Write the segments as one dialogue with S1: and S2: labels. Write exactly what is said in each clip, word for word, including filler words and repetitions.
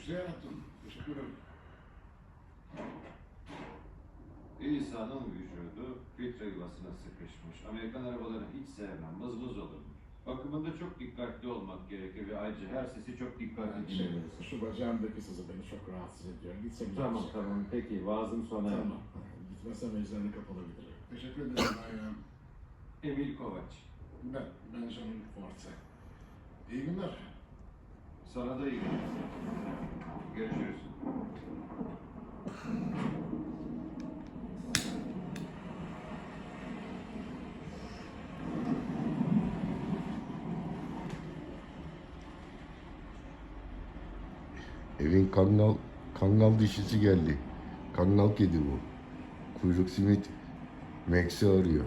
S1: Güzel yaptın. Teşekkür ederim.
S2: İsa'nın vücudu filtre yuvasına sıkışmış. Amerikan arabalarını hiç sevmem, mızmız olur. Bakımında çok dikkatli olmak gerekir ve ayrıca her sesi çok dikkatli
S1: Yani şey,
S2: dinlemelisin.
S1: şu bacağımdaki sızı beni çok rahatsız ediyor. Gitsem
S2: Tamam tamam peki vaazım sona erdi.
S1: Tamam. Gitmezsem eczanenin kapalı giderim. Teşekkür ederim Ayhan.
S2: Emil Kovaç.
S1: Ben Benjamin Forte. İyi günler.
S2: Sana da iyi günler. Görüşürüz.
S3: Evin kangal kangal dişisi geldi. Kangal kedi bu. Kuyruk simit Max'i arıyor.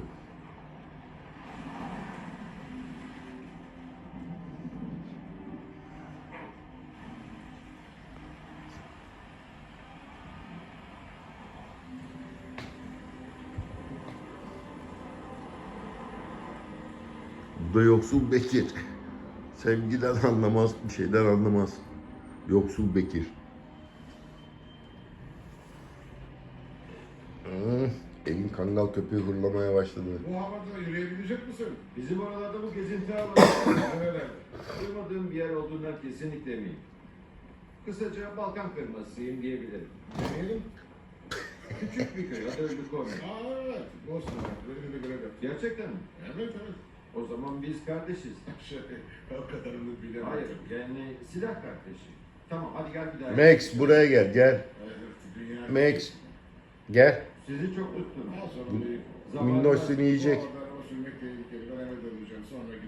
S3: Bu da yoksul Bekir. Sevgiden anlamaz, bir şeyden anlamaz. Yoksul Bekir. Hı, evin kangal köpeği hırlamaya başladı.
S1: Bu havada yürüyebilecek misin?
S2: Bizim oralarda bu gezinti alanı
S1: Öyle.
S2: duymadığım bir yer olduğundan kesinlikle eminim. Kısaca Balkan kırmasıyım diyebilirim.
S1: Deneyelim.
S2: Küçük bir köy, adı Ölükonya.
S1: Aa evet. Bosna. Böyle bir görev yap.
S2: Gerçekten mi?
S1: Evet evet.
S2: O zaman biz kardeşiz.
S1: Şey, o kadarını bilemem.
S2: Hayır, yani silah kardeşi. Tamam, hadi gel bir daha.
S3: Max buraya gel, gel.
S1: Evet, dünya...
S3: Max, gel.
S2: Sizi çok tuttum.
S1: Ha, sorun değil.
S3: Minnoş seni yiyecek.
S1: Bu arada araba sürmek tehlikeli. Ben eve döneceğim. Sonra